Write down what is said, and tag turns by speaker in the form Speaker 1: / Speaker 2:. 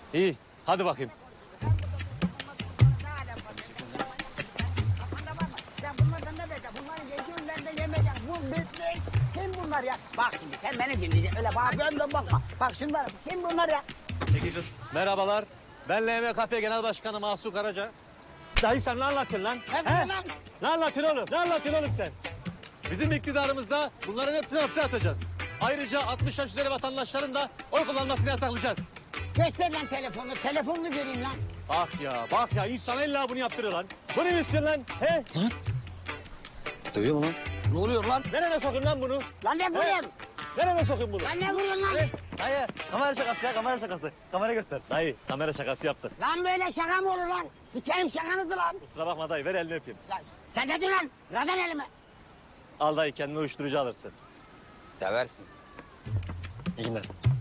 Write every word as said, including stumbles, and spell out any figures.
Speaker 1: İyi, hadi bakayım.
Speaker 2: Kim bunlar ya? Bak şimdi sen beni dinleyeceksin. Öyle bana dön bakma. Bak şunlar kim bunlar ya?
Speaker 1: Peki kız. Merhabalar. Ben L M K P Genel Başkanı Mahsur Karaca. Dayı sen ne anlatıyorsun lan?
Speaker 2: Ne
Speaker 1: He?
Speaker 2: lan?
Speaker 1: Ne anlatıyorsun oğlum? Ne anlatıyorsun oğlum sen? Bizim iktidarımızda bunların hepsini hapse atacağız. Ayrıca altmış yaş üzeri vatandaşların da oy kullanmasını yasaklayacağız.
Speaker 2: Göster lan telefonu. Telefonunu göreyim lan.
Speaker 1: Bak ya, bak ya. İnsan illa bunu yaptırıyor lan. Bunu mu istiyorsun lan? He?
Speaker 3: Lan. Dövüyor mu lan? Ne oluyor lan?
Speaker 1: Nereye sokayım lan bunu?
Speaker 2: Lan ne vuruyorsun?
Speaker 1: Nereye sokayım bunu?
Speaker 2: Lan ne vuruyorsun lan?
Speaker 1: He?
Speaker 3: Dayı kamera şakası ya kamera şakası. Kamera göster.
Speaker 1: Dayı, kamera şakası yaptın.
Speaker 2: Lan böyle şaka mı olur lan? Sikerim şakanızı lan.
Speaker 1: Kusura bakma dayı, ver elini öpeyim.
Speaker 2: Lan sen ne diyorsun lan? Radan elime.
Speaker 1: Al dayı, kendine uyuşturucu alırsın.
Speaker 3: Seversin.
Speaker 1: İyi günler.